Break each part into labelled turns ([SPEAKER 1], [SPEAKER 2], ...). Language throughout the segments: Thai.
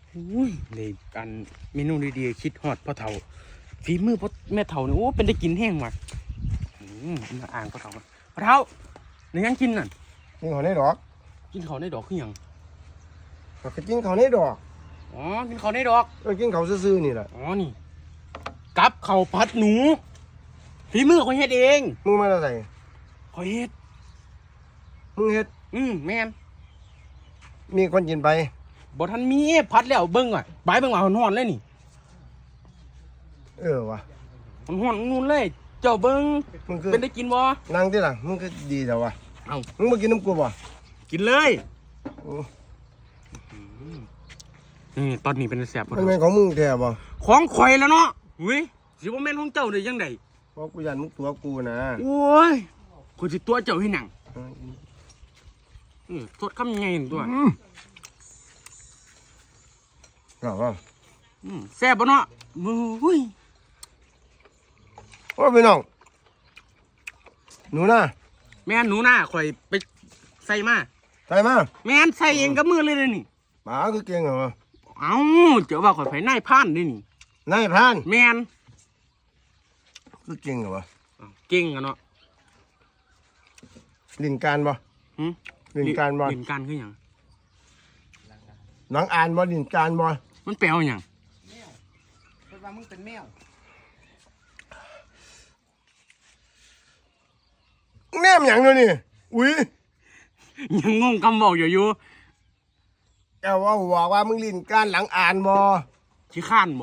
[SPEAKER 1] อุ้ยเลยกันเมนูดีๆคิดฮอดพ่อเฒ่าฝีมือพ่อแม่เฒ่าเนี่ยโอ้เป็นได้กินแห้งว่ะมาอ่างพ่อเฒ่าพ่อเฒ่าในยังกินน่ะ
[SPEAKER 2] กินเขาในดอก
[SPEAKER 1] กินเขาในดอกคือหยัง
[SPEAKER 2] ก็กินเขาในดอก
[SPEAKER 1] อ๋อกินเขาในดอก
[SPEAKER 2] กินเขาซื่อๆนี่แหละ
[SPEAKER 1] อ๋อนี่กับเขาวผัดหนูฝีมือเขาเฮ็ดเอง
[SPEAKER 2] มึงมาอะไร
[SPEAKER 1] เขาเฮ็ด
[SPEAKER 2] มึงเฮ็ด
[SPEAKER 1] แม่น
[SPEAKER 2] มีคนกินไป
[SPEAKER 1] บ่ทันมีผัดแล้วเบิ่งอ่ะบายเบิ่งว่าฮ้อนๆเลยนี่
[SPEAKER 2] วะ
[SPEAKER 1] ฮ้อนๆนู่นเลยเจ้าเบิ่ง
[SPEAKER 2] มึงคือ
[SPEAKER 1] เป็นได้กินบ่
[SPEAKER 2] นั่งที่หลังมึงก็ดีแต่วะ
[SPEAKER 1] เอ้า
[SPEAKER 2] มึงมากินน้ำกูบ่
[SPEAKER 1] กินเลย
[SPEAKER 2] โอ้
[SPEAKER 1] นี่ตอนนี้เป็นแซ่บบ่
[SPEAKER 2] มันเป็นของมึงแท้บ่
[SPEAKER 1] ของข่อยแล้วเนาะอุ้ยสิบ่แม่นของเจ้าได้จังได๋
[SPEAKER 2] เพราะกูยันมึงตัวกูนะ
[SPEAKER 1] โอ้ยกูสิตัวเจ้าให้หนังสดคำยังไงนี่ตัว
[SPEAKER 2] หรอวะ
[SPEAKER 1] แซ่บบ่เนาะอุ้ย
[SPEAKER 2] โอ้พี่น้องหนูนะ
[SPEAKER 1] แม่นหนูน่าข่อยไปใส่มา
[SPEAKER 2] ใส่มา
[SPEAKER 1] แม่นใส่เองกับมือเลยเด้อนี่
[SPEAKER 2] หมาคือเก่งเหรอวะ
[SPEAKER 1] เอ้าเจ้าว่าข่อยไผนายพรานนี่นี่
[SPEAKER 2] นายพราน
[SPEAKER 1] แม่น
[SPEAKER 2] คือเก่งเหรอวะ
[SPEAKER 1] เก่งอะเนาะ
[SPEAKER 2] ลิ้นการบ่
[SPEAKER 1] หึ
[SPEAKER 2] ลิ้นการบ่
[SPEAKER 1] ลิ้นการคือหยัง
[SPEAKER 2] หลังอ่านบ่ลิ้นการบ่
[SPEAKER 1] มันแปลว่าหยัง
[SPEAKER 3] เพราะว่ามึงเป็นแมว
[SPEAKER 2] แนมหยังเลยนี่อุ้ย
[SPEAKER 1] ยังงงคำบอกอยู่
[SPEAKER 2] แกว่าบอกว่ามึงลิ้นการหลังอ่านบ่
[SPEAKER 1] ขี้ข้านบ่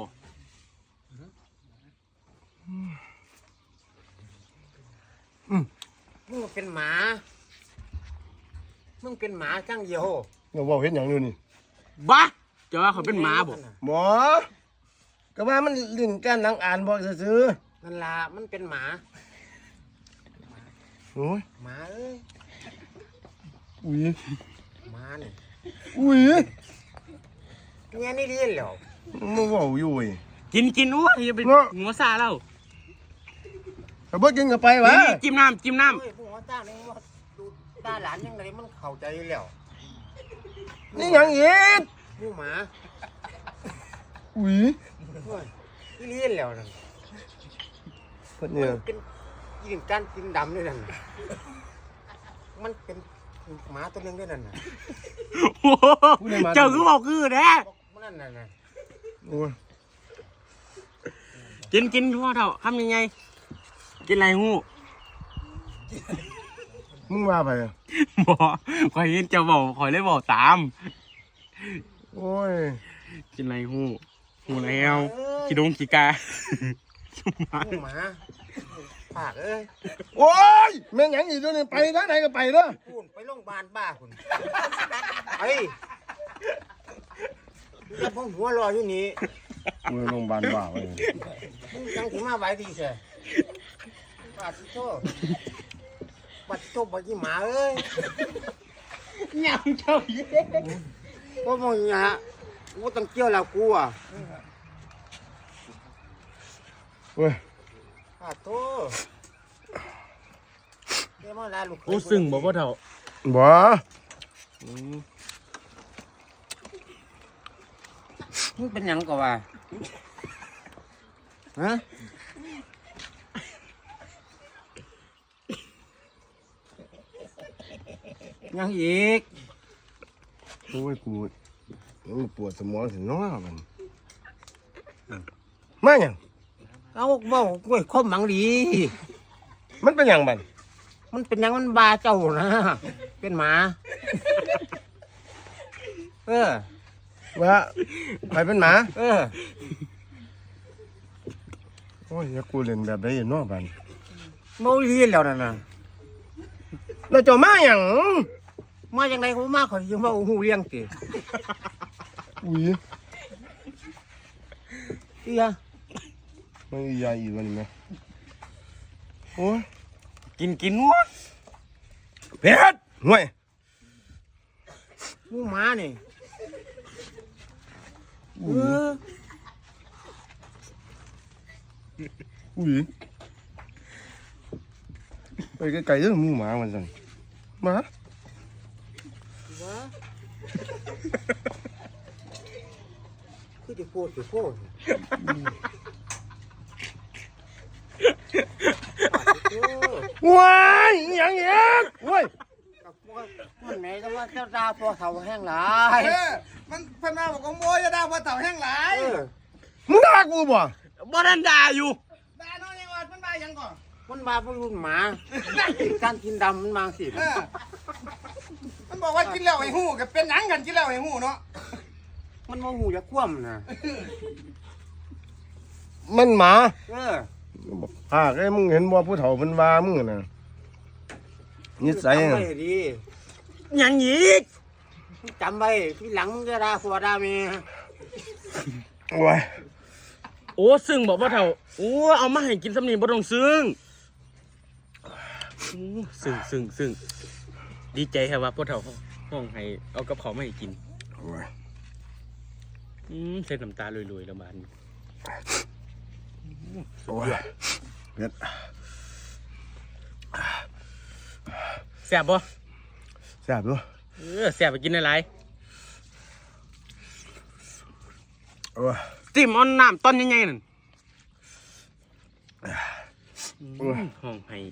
[SPEAKER 3] มึงเป็นหมา มึงเป็นหมาจังเดียว
[SPEAKER 2] เดี๋ยวบอกเห็นหยังอยู่นี่
[SPEAKER 1] บ้าเจ้าว่าข่อยเป็นหมาบ่
[SPEAKER 2] บ่ก็ว่ามันลิ้นการหลังอ่านบ่ซื่อ
[SPEAKER 3] นั่นล่ะมันเป็นหมา
[SPEAKER 2] ๆโอ้ย
[SPEAKER 3] หมาเอ้ย
[SPEAKER 2] อุ้ย
[SPEAKER 3] หมานี่
[SPEAKER 2] อุ้ย
[SPEAKER 3] เนี่ยนี่ดีแล้ว
[SPEAKER 2] มึงเว้าอยู่เว้ย
[SPEAKER 1] กินโอ้ยอย่าไป
[SPEAKER 2] เนาะ
[SPEAKER 1] หัวซาแล้ว
[SPEAKER 2] ถ้าบ่กินก็ไปวะ
[SPEAKER 1] นี่จิ้มน้ำ
[SPEAKER 3] เฮ้ยพวกหัวจ้านี่ว่าดูตาหลานยังไงมันเข้าใจแล้ว
[SPEAKER 2] นี่หยังอีก
[SPEAKER 3] ผู้หมา
[SPEAKER 2] อุ้ย
[SPEAKER 3] เฮ้ยนี่ดีแล้วนั่น
[SPEAKER 2] เพิ่นเนี่ย
[SPEAKER 3] เป็นกินการกินดำด้วยนั่นน่ะมันเป็นหมาตัวหนึงด้วยนั่นน่ะ
[SPEAKER 1] โอ้โหเจ้าคือบอกคือแท้
[SPEAKER 3] มันนั่นน่ะ
[SPEAKER 2] โอ้ย
[SPEAKER 1] กินพ่อเฒ่าทำยังไง กินอะไรฮู้
[SPEAKER 2] มึงว่าไปอะ
[SPEAKER 1] บ่ข่อยเห็นเจ้าบอกข่อยเลยบอกตาม
[SPEAKER 2] โอ้ย
[SPEAKER 1] กินอะไรฮู้แล้วขี้ดงขี้กา
[SPEAKER 3] ผู้หมาปากเอ้ย
[SPEAKER 2] โอ้ยแม่งหยังอีกตัวนี้ไปทางไหนก็ไปเด้อ
[SPEAKER 3] คุณไปโรงพยาบาลบ้าคุณไปแล้วผมหัวรออยู่นี่
[SPEAKER 2] มือโรงพยาบาลบ้าเว้ย
[SPEAKER 3] มึงยังถึงมาไว้ดีเสียบาดที่โตบาดที่โตบาดที่หมาเอ้ย
[SPEAKER 1] ยังเจ้าเย้
[SPEAKER 3] ก็มึงเนี่ยกูต้องเกี่ยวแล้วกูอ่ะ
[SPEAKER 2] เว้ย
[SPEAKER 3] บาดโตเดี๋ยวมาลาลูก
[SPEAKER 1] โอ้ซึ่งบ่พ่อเฒ่า
[SPEAKER 2] บ่
[SPEAKER 3] มึงเป็นหยังก็ว่าฮะยังอีก
[SPEAKER 2] โอ้ยกูปวดสมองสิน้อมันมาหยัง
[SPEAKER 3] เอาบอกกล้วยคมหมังดี
[SPEAKER 2] มันเป็นหยังบัด
[SPEAKER 3] มันเป็นหยังมันบาเจ้านะ เป็นหมา เออ
[SPEAKER 2] ว่าไปเป็นหมา
[SPEAKER 3] เออ
[SPEAKER 2] โอ้ยอย่ากูเล่นแบบได้เนาะบัด
[SPEAKER 3] เมาเรียนแล้วนั่นน่ะ
[SPEAKER 2] แล้วเจ้ามาหยัง
[SPEAKER 3] มาอย่างไรเขามาเขาจะมาหูเลี้ยงติ
[SPEAKER 2] อุ้ย
[SPEAKER 3] เอีย
[SPEAKER 2] มันอีใหญ่อีกวันนี้แม่โอ้ย
[SPEAKER 1] กินวะ
[SPEAKER 2] เผ็ดห่วย
[SPEAKER 3] หมูหมานี่เออ
[SPEAKER 2] อุ้ยไปไกลๆเด้อหมูหมามันสั่นหมา
[SPEAKER 3] วะคือจะพูดจะพูด
[SPEAKER 2] ว้ายอหย่างเงี้ยเว้ย
[SPEAKER 3] มันไหนก็ว่าเจ้าดาพอเท่าแห้งหลาย
[SPEAKER 4] มันเพิ่นมาบอกว่าโมยดาว่าเต่าแห้งหลาย
[SPEAKER 2] มึงด่ากูบ่
[SPEAKER 1] บ่ทันด่าอยู่
[SPEAKER 4] ดาน้อยยังว่ามันมายังก่อน
[SPEAKER 3] มันมาเป็นรุ่นหมาการกินดำมันมาสิ
[SPEAKER 4] มันบอกว่ากินแล้วไอ้หูกับเป็นหนังกันกินแล้วไอ้หูเนาะ
[SPEAKER 3] มันโมหูจะคว่ำนะ
[SPEAKER 2] มันหมา
[SPEAKER 3] Ờ.
[SPEAKER 2] ไอ้มึงเห็นบ่ผู้เฒ่ามันว่ามึงน่ะนิสัย
[SPEAKER 3] จำ
[SPEAKER 2] น่ะ
[SPEAKER 3] ไว้ดี
[SPEAKER 1] หยังอีก
[SPEAKER 3] จำไว้ที่หลังมึงจะด่าผัวด่าเมีย
[SPEAKER 2] โอ้ย
[SPEAKER 1] โอ้ซึ่งบอกว่าเฒ่าโอ้เอามาให้กินสำนีบ่ต้องซึ่งซึ่งดีใจครับว่าพ่อเฒ่าห้องให้เอากับเขาวมาให้กิน
[SPEAKER 2] โอ้ย
[SPEAKER 1] เส้นน้ำตาลอยๆแล้วบาดนี้
[SPEAKER 2] โอ้ยเผ็ด
[SPEAKER 1] แซ่บบ่
[SPEAKER 2] แซ่บด้วย
[SPEAKER 1] แซ่บไปกินหลาย
[SPEAKER 2] โอ้ย
[SPEAKER 1] ๆจิ้มเอาน้ำต้นใหญ่ๆนั่น
[SPEAKER 2] โอ้ย
[SPEAKER 1] ห้องให้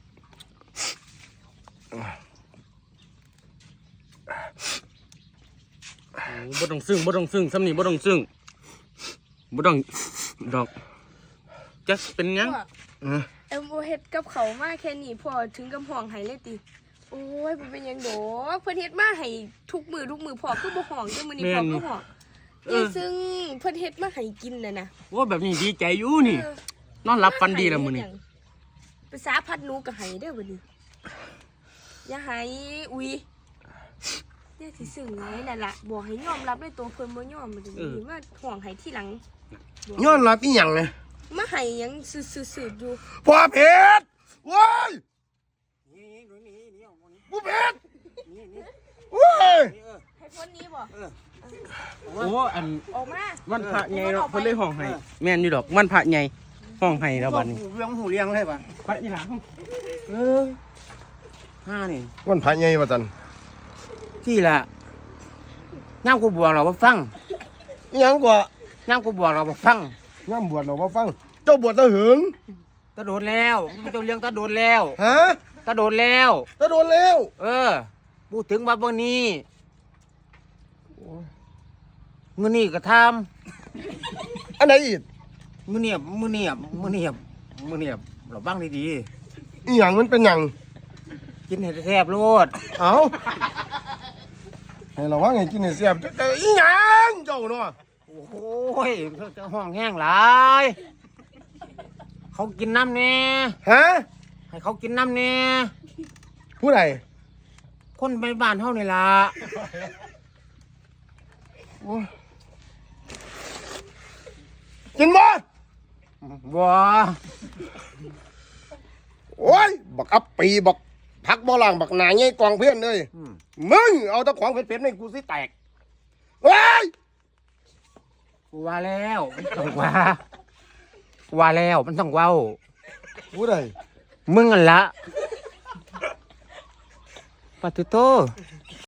[SPEAKER 1] บ่ต้องซึ่งสำนีบ่ต้องซึ่งบ่ต้องดอกจักเป็นหยัง
[SPEAKER 5] เอ็มโอเฮ็ดกับเขาวมาแค่นี้พอถึงกับห้องไห้เลยติโอ้ยบ่เป็นหยังดอกเพิ่นเฮ็ดมาให้ทุกมือพอคือบ่ห้องจังมื้อนี้พอก็ห้องนี่ซึ่งเพิ่นเฮ็ดมาให้กินน่ะนะ
[SPEAKER 1] โอ้แบบนี้ดีใจอยู่นี่ นอนหลับฝันดีแล้วมื้อนี้
[SPEAKER 5] ภาษาพัดหนูก็ให้เด้อบัดนี้อย่าให้อุ้ยเนี่ยสิซึ้งไงนั่นล่ะบอกให้ยอมรับด้วยตัวเพิ่นบ่ยอมบัดนี้มาห้องให้ทีหลัง
[SPEAKER 2] ย้อนรับอีหยังไง
[SPEAKER 5] มาให้หยังซื่อๆอยู่
[SPEAKER 2] พอเผ็ดโว้ย
[SPEAKER 3] นี่เอามานี่
[SPEAKER 2] กูเผ็ด
[SPEAKER 3] นี่
[SPEAKER 2] โว้ย
[SPEAKER 5] ให้พ้นนี้บ่
[SPEAKER 1] โอ้อัน
[SPEAKER 5] ออกมา
[SPEAKER 1] วันพระใหญ่เนาะเพิ่นเลยห้องให้แม่นอยู่ดอกวันพระใหญ่ห้องให้แล้วบัดนี้
[SPEAKER 3] หูเลี้ยงเลยป่ะ
[SPEAKER 1] ไปอีหลัง
[SPEAKER 3] ห้านี่
[SPEAKER 2] วันพระใหญ่ว่าจัน
[SPEAKER 3] ที่ละย่ามกูบวกเราบ่ฟัง
[SPEAKER 2] อีหยังกว่า
[SPEAKER 3] ย่ามกูบวกเราบ่ฟัง
[SPEAKER 2] ย่ำบวชเราบ่ฟัง เจ้าบวชตะหึง
[SPEAKER 3] ตะโดดแล้วมันจะเลี้ยงตะโดดแล้ว
[SPEAKER 2] ฮะ
[SPEAKER 3] ตะโดดแล้ว
[SPEAKER 2] ตะโดนแล้ว
[SPEAKER 3] พูดถึงว่าวันนี้มื้อนี้ก็ท
[SPEAKER 2] อันไหนอีก
[SPEAKER 3] ำมื้อนี้เราบ้างดี
[SPEAKER 2] อีหยังมันเป็นหยัง
[SPEAKER 3] ๆกินให้แซ่บๆโลด
[SPEAKER 2] เอาให้เราว่าไงกินให้เสียบแต่อีหยังเจ้าเนาะ
[SPEAKER 3] โอ้ยจะห้องแห้งหลายเขากินน้ำแน่
[SPEAKER 2] ฮะ
[SPEAKER 3] ให้เขากินน้ำแน่
[SPEAKER 2] ผู้ใด
[SPEAKER 3] คนไปบ้านเฮานี่ล่ะ
[SPEAKER 2] กินบ่
[SPEAKER 3] บ่
[SPEAKER 2] โอ้ยบักอัปปีบักพักบ่ล่างบักหนาใหญ่กองเพื่อนเลยมึงเอาแตะของเผ็ดๆให้กูสิแตกเฮ้ย
[SPEAKER 3] กูว่าแล้วมันต้องว่าแล้วมันต้องเว้า
[SPEAKER 2] ผู้ใด
[SPEAKER 3] มึงอันละปะตุโต